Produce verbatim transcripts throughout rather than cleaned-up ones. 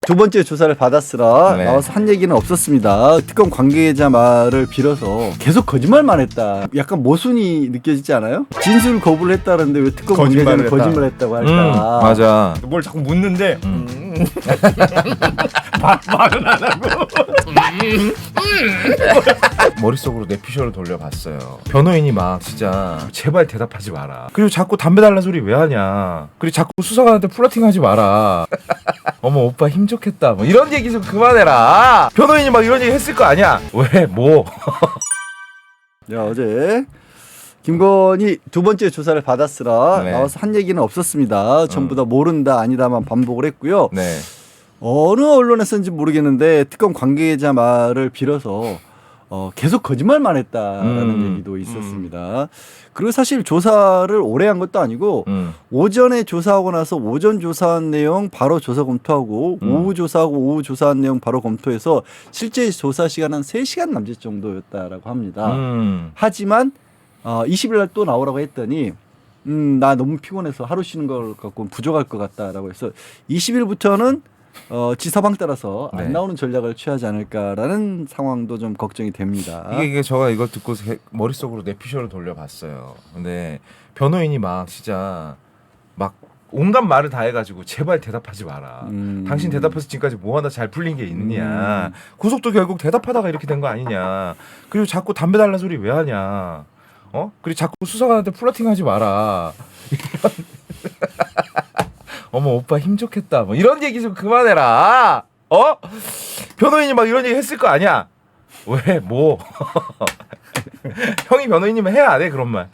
두 번째 조사를 받았으나 네. 나와서 한 얘기는 없었습니다. 특검 관계자 말을 빌어서 계속 거짓말만 했다. 약간 모순이 느껴지지 않아요? 진술 거부를 했다는데 왜 특검 관계자는 거짓말을 했다. 거짓말 했다고 할까? 음, 맞아. 뭘 자꾸 묻는데 음. 음. 말- 말은 안 하고 머릿속으로 내피셜을 돌려봤어요. 변호인이 막 진짜 제발 대답하지 마라. 그리고 자꾸 담배 달라는 소리 왜 하냐. 그리고 자꾸 수사관한테 플러팅하지 마라. 어머 오빠 힘 좋겠다. 뭐 이런 얘기 좀 그만해라. 변호인이 막 이런 얘기 했을 거 아니야. 왜 뭐. 야, 어제 김건희 두 번째 조사를 받았으나 네. 나와서 한 얘기는 없었습니다. 전부 다 모른다 아니다만 반복을 했고요. 네. 어느 언론에서인지 모르겠는데 특검 관계자 말을 빌어서 어, 계속 거짓말만 했다라는 음. 얘기도 있었습니다. 그리고 사실 조사를 오래 한 것도 아니고 음. 오전에 조사하고 나서 오전 조사한 내용 바로 조사 검토하고 음. 오후 조사하고 오후 조사한 내용 바로 검토해서 실제 조사 시간은 한 세 시간 남짓 정도였다라고 합니다. 음. 하지만 어, 이십 일 날 또 나오라고 했더니 음, 나 너무 피곤해서 하루 쉬는 걸 갖고 부족할 것 같다라고 해서 이십 일부터는 어, 지사방 따라서 안 네. 나오는 전략을 취하지 않을까라는 상황도 좀 걱정이 됩니다. 이게, 이게 제가 이거 듣고 세- 머릿속으로 내피셜을 돌려봤어요. 근데 변호인이 막 진짜 막 온갖 말을 다 해가지고 제발 대답하지 마라. 음. 당신 대답해서 지금까지 뭐 하나 잘 풀린 게 있느냐. 음. 구속도 결국 대답하다가 이렇게 된 거 아니냐. 그리고 자꾸 담배 달라는 소리 왜 하냐. 어? 그리고 자꾸 수사관한테 플러팅하지 마라. 이런 어머 오빠 힘 좋겠다. 뭐 이런 얘기 좀 그만해라. 어? 변호인이 막 이런 얘기 했을 거 아니야. 왜 뭐? 형이 변호인이면 해야 안 해 그런 말.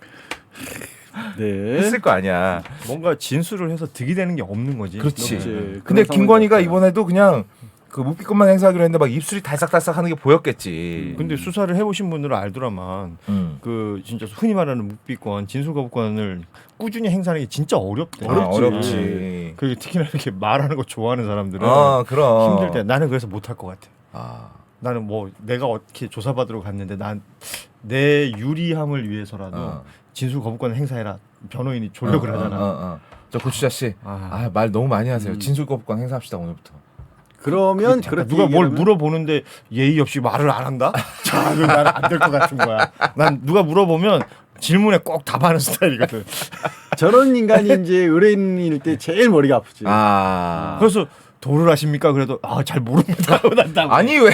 네. 했을 거 아니야. 뭔가 진술을 해서 득이 되는 게 없는 거지. 그렇지. 그렇지. 근데 그런 김건희가 상황이었어요. 이번에도 그냥 그 묵비권만 행사하기로 했는데 막 입술이 달싹달싹 하는 게 보였겠지. 근데 수사를 해보신 분들은 알더라만 음. 그 진짜 흔히 말하는 묵비권, 진술거부권을 꾸준히 행사하는 게 진짜 어렵대. 아, 어렵지. 그리고 특히나 이렇게 말하는 거 좋아하는 사람들은 아, 그럼. 힘들 때 나는 그래서 못할 것 같아. 아. 나는 뭐 내가 어떻게 조사받으러 갔는데 난 내 유리함을 위해서라도 어. 진술 거부권 행사해라. 변호인이 조력을 어, 하잖아. 어, 어, 어. 저 고추자 씨. 아. 아, 말 너무 많이 하세요. 음. 진술 거부권 행사합시다 오늘부터. 그러면 잠깐, 그렇게 누가 뭘 얘기하면 물어보는데 예의 없이 말을 안 한다? 자, 그 나는 안 될 것 같은 거야. 난 누가 물어보면 질문에 꼭 답하는 스타일이거든. 저런 인간이 이제 의뢰인일 때 제일 머리가 아프지. 아. 그래서 도를 하십니까? 그래도 아 잘 모릅니다. 하고 난 답을 아니 왜?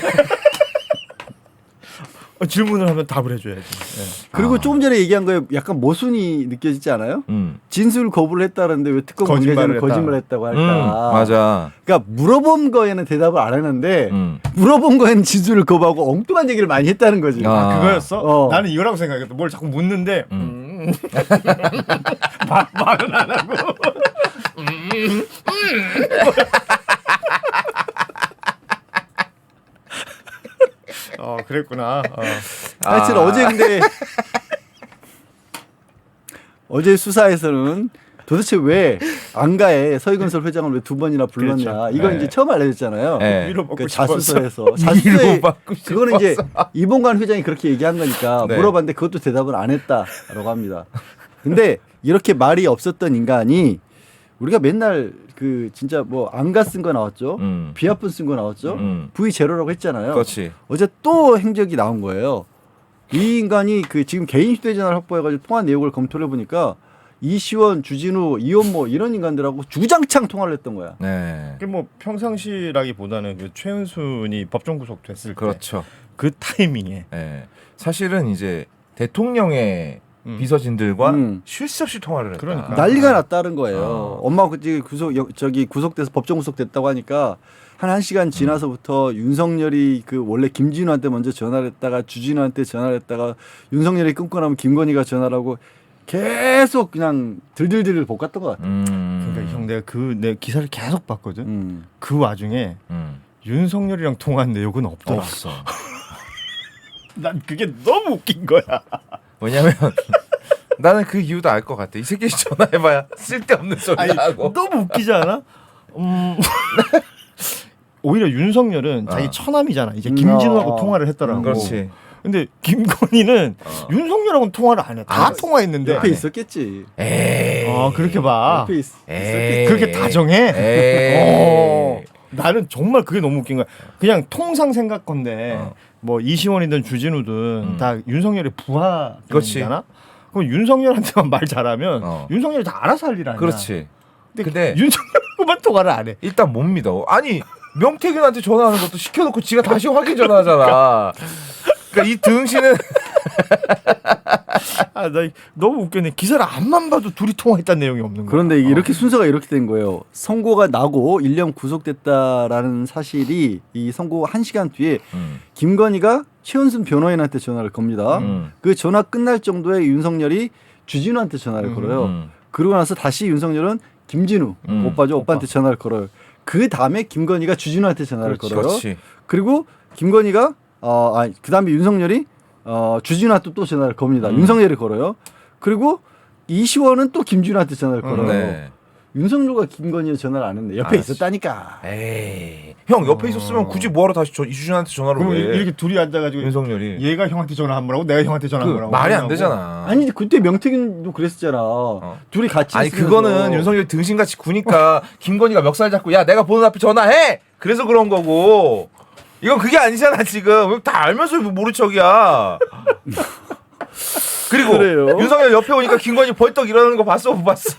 어, 질문을 하면 답을 해줘야지. 네. 그리고 아. 조금 전에 얘기한 거에 약간 모순이 느껴지지 않아요? 음. 진술 거부를 했다는데 왜 특검 관계자는 거짓말을 했다. 거짓말 했다고 할까? 음. 맞아. 그러니까 물어본 거에는 대답을 안 했는데 음. 물어본 거에는 진술을 거부하고 엉뚱한 얘기를 많이 했다는 거지. 아. 아, 그거였어? 어. 나는 이거라고 생각했어. 뭘 자꾸 묻는데 음. 음. 말- 말은 안 하고. 어 그랬구나. 어. 하여튼 아. 어제 근데 어제 수사에서는 도대체 왜 안가에 서희건설 회장을 왜 두 번이나 불렀냐. 그렇죠. 이건 네. 이제 처음 알려졌잖아요. 네. 위로받고 그 싶었어. 자수서에서 자수서에 위로받고 그거는 이제 싶었어. 이봉관 회장이 그렇게 얘기한 거니까 네. 물어봤는데 그것도 대답을 안 했다라고 합니다. 근데 이렇게 말이 없었던 인간이 우리가 맨날 그 진짜 뭐 안가 쓴 거 나왔죠. 음. 비아픈 쓴 거 나왔죠. 음. V 제로라고 했잖아요. 그렇지. 어제 또 행적이 나온 거예요. 이 인간이 그 지금 개인 휴대전화를 확보해가지고 통화 내역을 검토를 해보니까 이시원, 주진우, 이원모 이런 인간들하고 주장창 통화를 했던 거야. 네. 그게 뭐 평상시라기보다는 그 최은순이 법정 구속됐을 때 그렇죠. 그 타이밍에 네. 사실은 이제 대통령의 음. 비서진들과 음. 쉴 새 없이 통화를 했다. 그러니까. 난리가 났다는 거예요. 어. 엄마가 그때 구속 여- 저기 구속돼서 법정 구속됐다고 하니까 한 한 시간 지나서부터 윤석열이 그 원래 김진우한테 먼저 전화를 했다가 주진우한테 전화를 했다가 윤석열이 끊고 나면 김건희가 전화를 하고 계속 그냥 들들들 볶았던 것 같아. 음. 그러니까 형 내가 그 내 기사를 계속 봤거든. 음. 그 와중에 음. 윤석열이랑 통화한 내용은 없더라. 없어. 난 그게 너무 웃긴 거야. 왜냐면 나는 그 이유도 알 것 같아. 이 새끼 전화해봐야 쓸데없는 소리 아니 하고. 너무 웃기지 않아? 음. 오히려 윤석열은 어. 자기 처남이잖아. 이제 음, 김진우하고 어. 통화를 했더라고. 음, 그렇지. 근데 김건희는 어. 윤석열하고는 통화를 안 해. 다 안 했어. 통화했는데. 옆에 있었겠지. 에이. 어 그렇게 봐. 옆에 있, 에이. 그렇게 다정해? 에이. 어. 나는 정말 그게 너무 웃긴 거야. 그냥 통상 생각건데 어. 뭐 이시원이든 주진우든 음. 다 윤석열의 그렇지. 부하잖아. 그럼 윤석열한테만 말 잘하면 어. 윤석열이 다 알아서 할 일 아니야. 그렇지. 근데, 근데 윤석열만 통화를 안 해. 일단 못 믿어. 아니 명태균한테 전화하는 것도 시켜놓고 지가 다시 확인 전화하잖아. 그러니까 이 등신은 아, 나 너무 웃겼네. 기사를 앞만 봐도 둘이 통화했다는 내용이 없는 거야. 그런데 이게 어. 이렇게 순서가 이렇게 된 거예요. 선고가 나고 일 년 구속됐다라는 사실이 이 선고 한 시간 뒤에 음. 김건희가 최은순 변호인한테 전화를 겁니다. 음. 그 전화 끝날 정도에 윤석열이 주진우한테 전화를 음, 걸어요. 음. 그러고 나서 다시 윤석열은 김진우 음, 오빠죠. 오빠. 오빠한테 전화를 걸어요. 그 다음에 김건희가 주진우한테 전화를 그렇지, 걸어요. 그렇지. 그리고 김건희가 어, 아, 그 다음에 윤석열이 어, 주진우한테 또 전화를 겁니다. 음. 윤석열이 걸어요. 그리고 이시원은 또 김준우한테 전화를 음, 걸어요. 네. 윤석열과 김건희는 전화를 안 했네. 옆에 아, 있었다니까. 에이. 형 옆에 어. 있었으면 굳이 뭐하러 다시 저, 이주진한테 전화를 그럼 왜? 이렇게 둘이 앉아가지고 윤석열이. 얘가 형한테 전화한 거라고 내가 형한테 전화한 그 거라고 말이 안 그러냐고. 되잖아. 아니 그때 명태균도 그랬었잖아. 둘이 같이 아니 있으면서. 그거는 윤석열 등신같이 구니까 김건희가 멱살 잡고 야 내가 보는 앞에 전화해. 그래서 그런 거고. 이건 그게 아니잖아 지금. 다 알면서 뭐 모른 척이야. 그리고 그래요? 윤석열 옆에 오니까 김건희 벌떡 일어나는 거 봤어 못 봤어?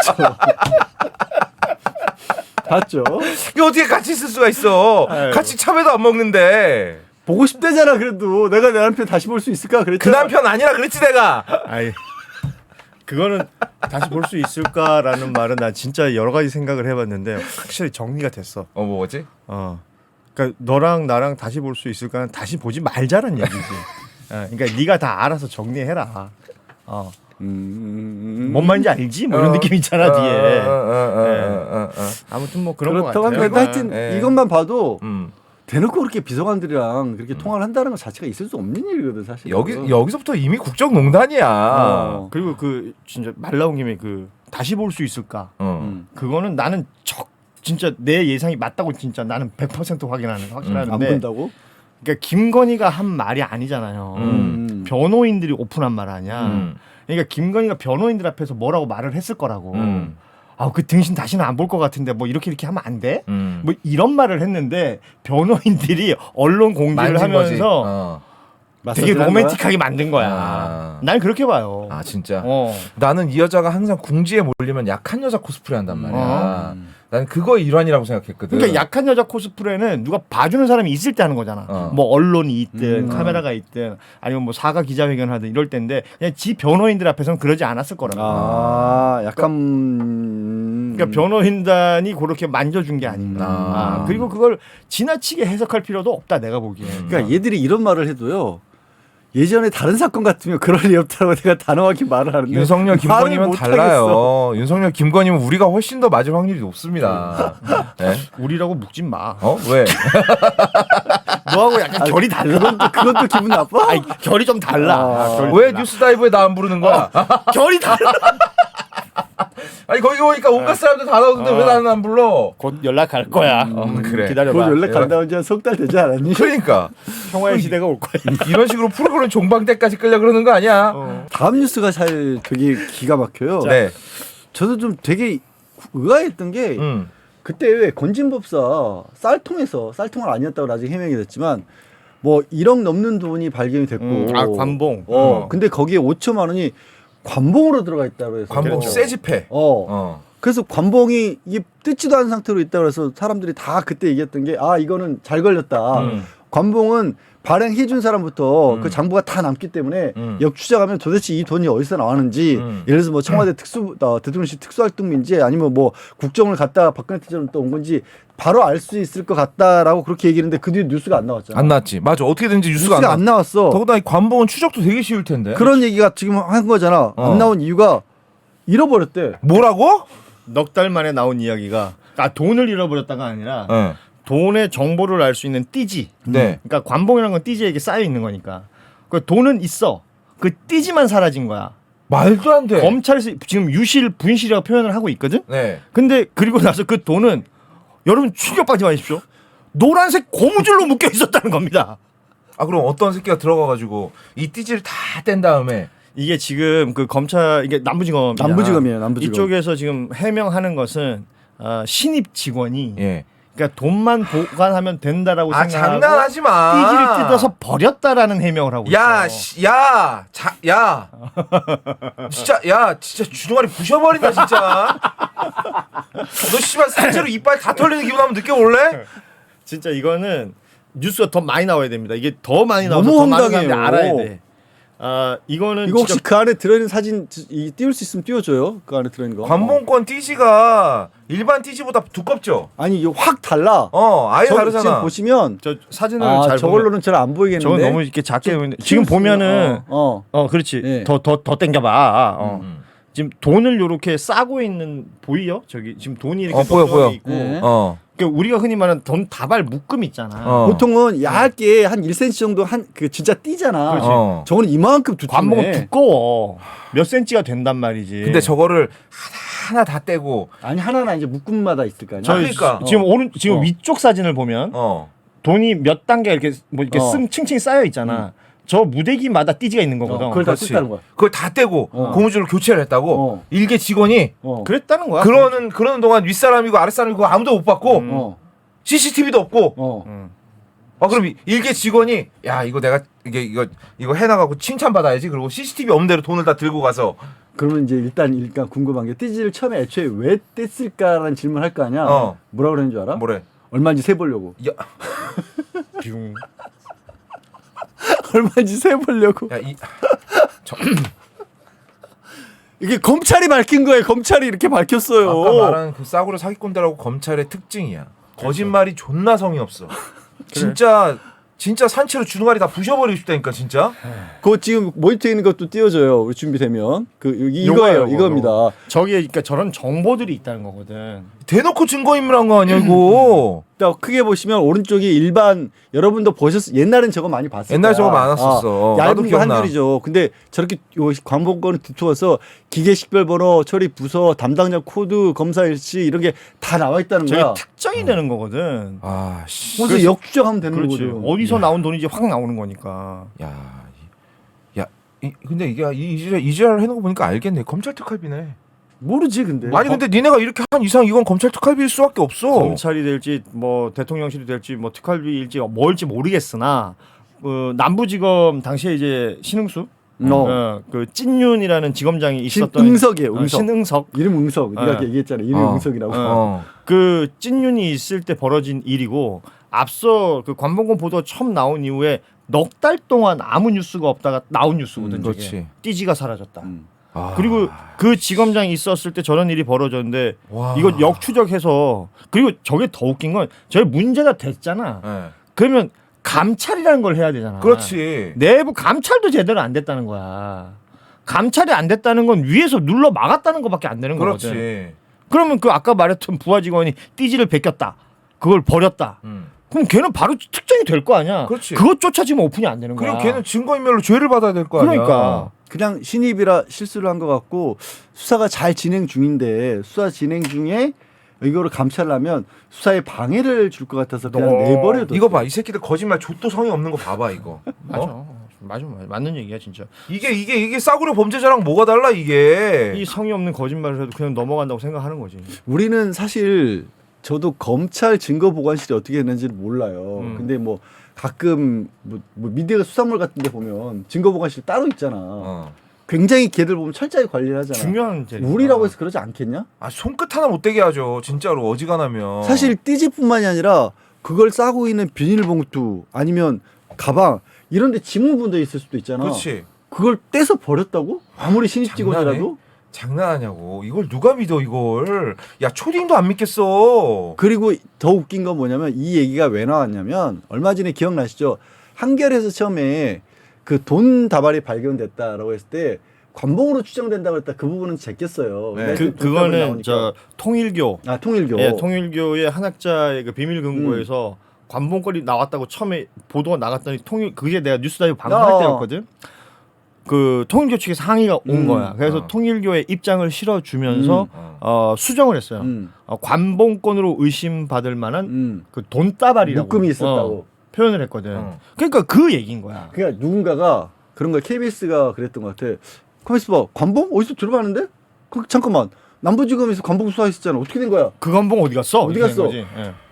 봤죠. 이게 어떻게 같이 있을 수가 있어? 아유. 같이 참외도 안 먹는데. 보고 싶대잖아. 그래도 내가 내 남편 다시 볼 수 있을까 그 그랬잖아. 남편 아니라 그랬지 내가. 아이 그거는 다시 볼 수 있을까라는 말은 나 진짜 여러 가지 생각을 해봤는데 확실히 정리가 됐어. 어 뭐지? 어, 그러니까 너랑 나랑 다시 볼 수 있을까는 다시 보지 말자는 얘기지. 어, 그러니까 네가 다 알아서 정리해라. 어, 음... 뭔 말인지 알지? 뭐 이런 어. 느낌 있잖아 어, 뒤에. 어, 어, 어, 어, 어, 어. 아무튼 뭐 그런 거 그렇다고 같아요. 하면 하여튼 예. 이것만 봐도 음. 대놓고 그렇게 비서관들이랑 그렇게 통화를 한다는 것 자체가 있을 수 없는 일이거든 사실. 여기 여기서부터 이미 국정농단이야. 어. 그리고 그 진짜 말 나온 김에 그 다시 볼 수 있을까? 어. 음. 그거는 나는 적 진짜 내 예상이 맞다고 진짜 나는 백 퍼센트 확인하는 안 확신하는데. 본다고? 그러니까 김건희가 한 말이 아니잖아요. 음. 변호인들이 오픈한 말 아니야. 음. 그러니까 김건희가 변호인들 앞에서 뭐라고 말을 했을 거라고. 음. 아, 그 등신 다시는 안 볼 것 같은데 뭐 이렇게 이렇게 하면 안 돼? 음. 뭐 이런 말을 했는데 변호인들이 언론 공개를 만진 거지. 하면서 어. 되게 마사지를 한 로맨틱하게 만든 거야. 아. 난 그렇게 봐요. 아 진짜. 어. 나는 이 여자가 항상 궁지에 몰리면 약한 여자 코스프레 한단 말이야. 어. 나는 그거의 일환이라고 생각했거든. 그러니까 약한 여자 코스프레는 누가 봐주는 사람이 있을 때 하는 거잖아. 어. 뭐 언론이 있든 음. 카메라가 있든 아니면 뭐 사과 기자회견 하든 이럴 때인데 그냥 지 변호인들 앞에서는 그러지 않았을 거라고. 아, 약간 그러니까 변호인단이 그렇게 만져준 게 아닌가. 아. 아, 그리고 그걸 지나치게 해석할 필요도 없다 내가 보기에. 그러니까 얘들이 이런 말을 해도요. 예전에 다른 사건 같으면 그럴 리 없다고 내가 단호하게 말을 하는데 윤석열 말을 김건희면 못 하겠어. 달라요. 윤석열 김건희면 우리가 훨씬 더 맞을 확률이 높습니다. 네? 우리라고 묵진 마. 어 왜? 너하고 약간 결이 달라. 그건 또, 그건 또 기분 나빠? 아니, 결이 좀 달라. 아, 아, 결이 왜 달라. 뉴스다이브에 나 안 부르는 거야? 결이 달라. 아니 거기 오니까 온갖 사람들 다 나오는데 어. 왜 나는 안 불러? 곧 연락할 거야. 음, 그래. 기다려봐. 그걸 연락 간다 온지 한 석 달 되지 않았니? 그러니까 평화의 시대가 올 거야. 이런 식으로 프로그램 종방 때까지 끌려 그러는 거 아니야? 어. 다음 뉴스가 사실 되게 기가 막혀요. 네. 저도 좀 되게 의아했던 게 음. 그때 왜 건진법사 쌀통에서 쌀통은 아니었다고 나중에 해명이 됐지만 뭐 일억 넘는 돈이 발견이 됐고 음, 아, 관봉. 어, 어. 근데 거기에 오천만 원이 관봉으로 들어가 있다고 해서 관봉 그렇죠. 새 집회. 어. 어. 그래서 관봉이 이게 뜯지도 않은 상태로 있다 그래서 사람들이 다 그때 얘기했던 게 아 이거는 잘 걸렸다. 음. 관봉은 발행해 준 사람부터 음. 그 장부가 다 남기 때문에 음. 역추적하면 도대체 이 돈이 어디서 나왔는지 음. 예를 들어서 뭐 청와대 특수 어, 대통령실 특수활동비인지 아니면 뭐 국정을 갖다가 박근혜 때처럼 또 온 건지 바로 알 수 있을 것 같다라고 그렇게 얘기했는데 그 뒤에 뉴스가 안 나왔잖아. 안 나왔지. 맞아. 어떻게든지 뉴스가, 뉴스가 안, 안 나. 나왔어. 더구나 이 관봉은 추적도 되게 쉬울 텐데. 그런 얘기가 지금 한 거잖아. 어. 안 나온 이유가 잃어버렸대. 뭐라고? 넉 달 만에 나온 이야기가 아 돈을 잃어버렸다가 아니라 네. 돈의 정보를 알 수 있는 띠지. 네. 그러니까 관봉이라는 건 띠지에게 쌓여 있는 거니까. 그 돈은 있어. 그 띠지만 사라진 거야. 말도 안 돼. 검찰에서 지금 유실 분실이라고 표현을 하고 있거든. 네. 근데 그리고 나서 그 돈은 여러분 충격받지 마십시오. 노란색 고무줄로 묶여 있었다는 겁니다. 아 그럼 어떤 새끼가 들어가가지고 이 띠지를 다 뗀 다음에 이게 지금 그 검찰 이게 남부지검 남부지검이에요. 남부지검. 이쪽에서 지금 해명하는 것은 어, 신입 직원이 예. 그러니까 돈만 보관하면 된다라고 아 생각하고 장난하지 마. 띠지를 뜯어서 버렸다라는 해명을 하고 야, 있어. 씨, 야, 자, 야, 진짜, 야, 진짜 주둥아리 부셔버린다 진짜. 너 씨발 산채로 이빨 다 털리는 기분 한번 느껴볼래? 진짜 이거는 뉴스가 더 많이 나와야 됩니다. 이게 더 많이 나와서 너무 더 많은 사람들이 황당해요. 알아야 돼. 아 이거는 이거 혹시 진짜 그 안에 들어있는 사진 이 띄울 수 있으면 띄워줘요. 그 안에 들어있는 거. 관봉권 띠지가 일반 띠지보다 두껍죠. 아니 이거 확 달라. 어, 아예 저, 다르잖아. 지금 보시면 저 사진을 아 잘 보면 저걸로는 잘 안 보이겠는데. 저건 너무 이렇게 작게 보이는데 지금 키울 수 있는- 보면은 어, 어 그렇지 네. 더 더 더 땡겨봐. 어. 음. 지금 돈을 요렇게 싸고 있는 보이요? 저기 지금 돈이 이렇게 어, 보여, 넉넉히 보여. 있고 네. 어, 그러니까 우리가 흔히 말하는 돈 다발 묶음 있잖아. 어. 보통은 얇게 한 일 센티미터 정도 한 그 진짜 띠잖아. 그렇지. 어. 저거는 이만큼 두툼해. 관봉은 두꺼워. 몇 센치가 된단 말이지. 근데 저거를 하나, 하나 다 떼고, 아니 하나는 이제 묶음마다 있을 거 아니야. 저 그러니까. 지금 오른 지금 어. 위쪽 사진을 보면 어, 돈이 몇 단계 이렇게 뭐 이렇게 어. 씀 층층이 쌓여 있잖아. 저 무대기마다 띠지가 있는 거거든. 어, 그걸 다 그렇지. 뜯다는 거야. 그걸 다 떼고 어. 고무줄로 교체를 했다고. 어. 일개 직원이 어. 그랬다는 거야. 그러는 그러는 동안 윗사람이고 아랫사람이고 아무도 못 받고 음. 어. 씨씨티비도 없고. 어. 음. 아 그럼 이- 일개 직원이 야 이거 내가 이게 이거 이거 해나가고 칭찬 받아야지. 그리고 씨씨티비 없는 대로 돈을 다 들고 가서 그러면 이제 일단 일단 궁금한 게 띠지를 처음에 애초에 왜 뗐을까라는 질문을 할 거 아니야. 어. 뭐라 그러는 줄 알아? 뭐래? 얼마인지 세 보려고. 야, 뷰. 얼마인지 세 보려고. 야 이, 저, 이게 검찰이 밝힌 거예요. 검찰이 이렇게 밝혔어요. 아까 말한 그 싸구려 사기꾼들하고 검찰의 특징이야. 거짓말이 존나 성의 없어. 진짜 진짜 산채로 주둥아리 다 부셔버리고 싶다니까 진짜. 그거 지금 모니터에 있는 것도 띄워줘요. 우리 준비되면 그 여기 요거예요, 이거예요. 요거. 이겁니다. 저기에 그러니까 저런 정보들이 있다는 거거든. 대놓고 증거인멸한 거 아니야 이거. 또 크게 보시면 오른쪽이 일반 여러분도 보셨 옛날엔 저거 많이 봤어요. 옛날 저거 많았었어. 나도 얇은 거 기억나. 한 줄이죠. 근데 저렇게 요 관본권을 뒤투어서 기계 식별번호, 처리 부서, 담당자 코드, 검사 일시 이런 게 다 나와 있다는 저게 거야. 특정이 되는 거거든. 아 씨. 그래서 역추적하면 되는 그렇지. 거거든. 어디서 나온 돈인지 확 나오는 거니까. 야, 이- 야, 이, 근데 이게 이, 이지랄 이지랄 해놓고 보니까 알겠네. 검찰 특활비네. 모르지 근데. 아니 근데 니네가 이렇게 한 이상 이건 검찰 특활비일 수밖에 없어. 검찰이 될지 뭐 대통령실이 될지 뭐 특활비일지 뭘지 모르겠으나 그 남부지검 당시에 이제 신흥수 어. 어, 그 찐윤이라는 지검장이 있었던 신응석이에요. 어, 응석. 신응석 이름 응석. 네가 어. 얘기했잖아. 이름 어. 응석이라고. 어. 어. 그 찐윤이 있을 때 벌어진 일이고 앞서 그 관봉권 보도 처음 나온 이후에 넉 달 동안 아무 뉴스가 없다가 나온 뉴스거든. 음, 저게. 그렇지. 띠지가 사라졌다. 음. 아. 그리고 그 지검장이 있었을 때 저런 일이 벌어졌는데 와. 이거 역추적해서 그리고 저게 더 웃긴 건 저게 문제가 됐잖아. 네. 그러면 감찰이라는 걸 해야 되잖아. 그렇지. 내부 감찰도 제대로 안 됐다는 거야. 감찰이 안 됐다는 건 위에서 눌러 막았다는 것밖에 안 되는 거거든. 그렇지. 그러면 그 아까 말했던 부하 직원이 띠지를 베꼈다. 그걸 버렸다. 음. 그럼 걔는 바로 특정이 될 거 아니야. 그렇지. 그것조차 지금 오픈이 안 되는 거야. 그리고 걔는 증거인멸로 죄를 받아야 될 거 아니야. 그러니까. 그냥 신입이라 실수를 한 것 같고 수사가 잘 진행 중인데 수사 진행 중에 이거를 감찰하면 수사에 방해를 줄 것 같아서 그냥 어, 내버려둬. 이거 봐, 이 새끼들 거짓말 족도 성의 없는 거 봐봐 이거. 맞아. 어? 맞아, 맞아. 맞는 얘기야 진짜. 이게 이게 이게 싸구려 범죄자랑 뭐가 달라 이게. 이 성의 없는 거짓말을 해도 그냥 넘어간다고 생각하는 거지. 우리는 사실 저도 검찰 증거 보관실이 어떻게 했는지를 몰라요. 음. 근데 뭐 가끔 뭐, 뭐 미디어 수산물 같은 데 보면 증거 보관실 따로 있잖아. 어. 굉장히 걔들 보면 철저하게 관리를 하잖아. 중요한 제 우리라고 해서 그러지 않겠냐? 아 손끝 하나 못 대게 하죠. 진짜로 어지간하면. 사실 띠지뿐만이 아니라 그걸 싸고 있는 비닐봉투 아니면 가방 이런 데 지문분도 있을 수도 있잖아. 그렇지. 그걸 떼서 버렸다고? 아무리 신입 장난해? 직원이라도? 장난하냐고. 이걸 누가 믿어 이걸. 야 초딩도 안 믿겠어. 그리고 더 웃긴 건 뭐냐면 이 얘기가 왜 나왔냐면 얼마 전에 기억나시죠? 한겨레에서 처음에 그 돈 다발이 발견됐다라고 했을 때 관봉으로 추정된다고 했다. 그 부분은 제꼈어요. 네. 그 그거는 저 통일교 아 통일교. 예, 통일교의 한학자의 그 비밀 금고에서 관봉권이 나왔다고 처음에 보도가 나갔더니 통일 그게 내가 뉴스다이브 방송할 어. 때였거든. 그 통일교 측에서 항의가 온 음. 거야. 그래서 어. 통일교의 입장을 실어주면서 음. 어. 어, 수정을 했어요. 음. 어, 관봉권으로 의심받을 만한 음. 그 돈다발이라고 묶음이 있었다고. 어, 표현을 했거든. 어. 그러니까 그 얘기인 거야. 그러니까 누군가가 그런 거 케이비에스가 그랬던 것 같아. 가만있어 봐. 관봉 어디서 들어봤는데? 그, 잠깐만. 남부지검에서 관봉 수사했었잖아. 어떻게 된 거야? 그 관봉 어디 갔어? 어디 이렇게 된 갔어? 거지. 예.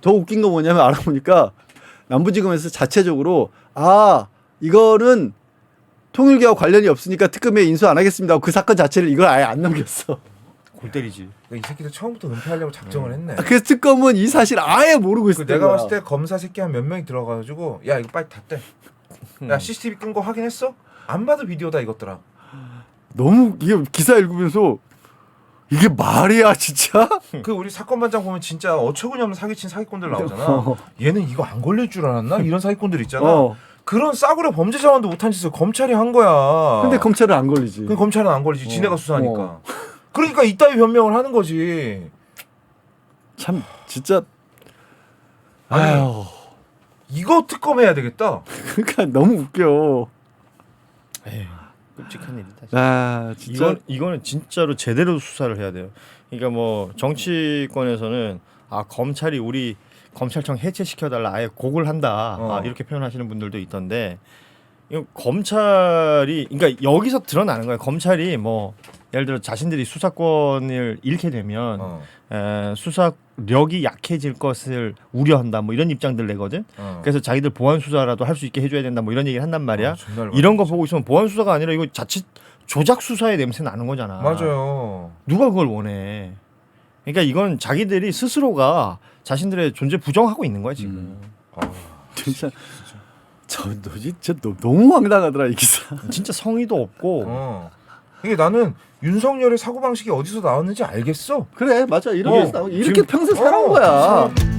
더 웃긴 거 뭐냐면 알아보니까 남부지검에서 자체적으로 아 이거는 통일교와 관련이 없으니까 특검에 인수 안 하겠습니다. 그 사건 자체를 이걸 아예 안 넘겼어. 골 때리지. 이 새끼들 처음부터 은폐하려고 작정을 했네. 그래서 특검은 이 사실 아예 모르고 그 있었던 내가 거야. 봤을 때 검사 새끼 한 몇 명이 들어가가지고 야 이거 빨리 닫대. 야 씨씨티비 끈 거 확인했어? 안 봐도 비디오다 이것들아. 너무 이게 기사 읽으면서 이게 말이야 진짜? 그 우리 사건 반장 보면 진짜 어처구니없는 사기친 사기꾼들 나오잖아. 어. 얘는 이거 안 걸릴 줄 알았나? 이런 사기꾼들 있잖아. 어. 그런 싸구려 범죄 자원도 못한 짓을 검찰이 한 거야. 근데 검찰은 안 걸리지. 그 검찰은 안 걸리지. 어. 지네가 수사하니까. 어. 그러니까 이따위 변명을 하는 거지. 참 진짜 아니, 아유 이거 특검해야 되겠다. 그러니까 너무 웃겨. 에휴, 끔찍한 일이다. 진짜. 아 진짜 이건 이거는 진짜로 제대로 수사를 해야 돼요. 그러니까 뭐 정치권에서는 아 검찰이 우리 검찰청 해체시켜달라 아예 곡을 한다 어. 아, 이렇게 표현하시는 분들도 있던데 이거 검찰이 그러니까 여기서 드러나는 거예요. 검찰이 뭐 예를 들어 자신들이 수사권을 잃게 되면 어. 에, 수사력이 약해질 것을 우려한다 뭐 이런 입장들 내거든. 어. 그래서 자기들 보안 수사라도 할 수 있게 해줘야 된다 뭐 이런 얘기를 한단 말이야. 아, 존나 이런 거 보고 있으면 보안 수사가 아니라 이거 자칫 조작 수사의 냄새 나는 거잖아. 맞아요. 누가 그걸 원해? 그러니까 이건 자기들이 스스로가 자신들의 존재 부정하고 있는 거야 지금. 음. 아, 진짜 저 너 진짜 너, 너무 황당하더라 이 기사. 진짜 성의도 없고. 어. 이게 나는 윤석열의 사고 방식이 어디서 나왔는지 알겠어. 그래 맞아 이런 어, 게 나오고 이렇게 지금- 평생 살아온 어, 거야.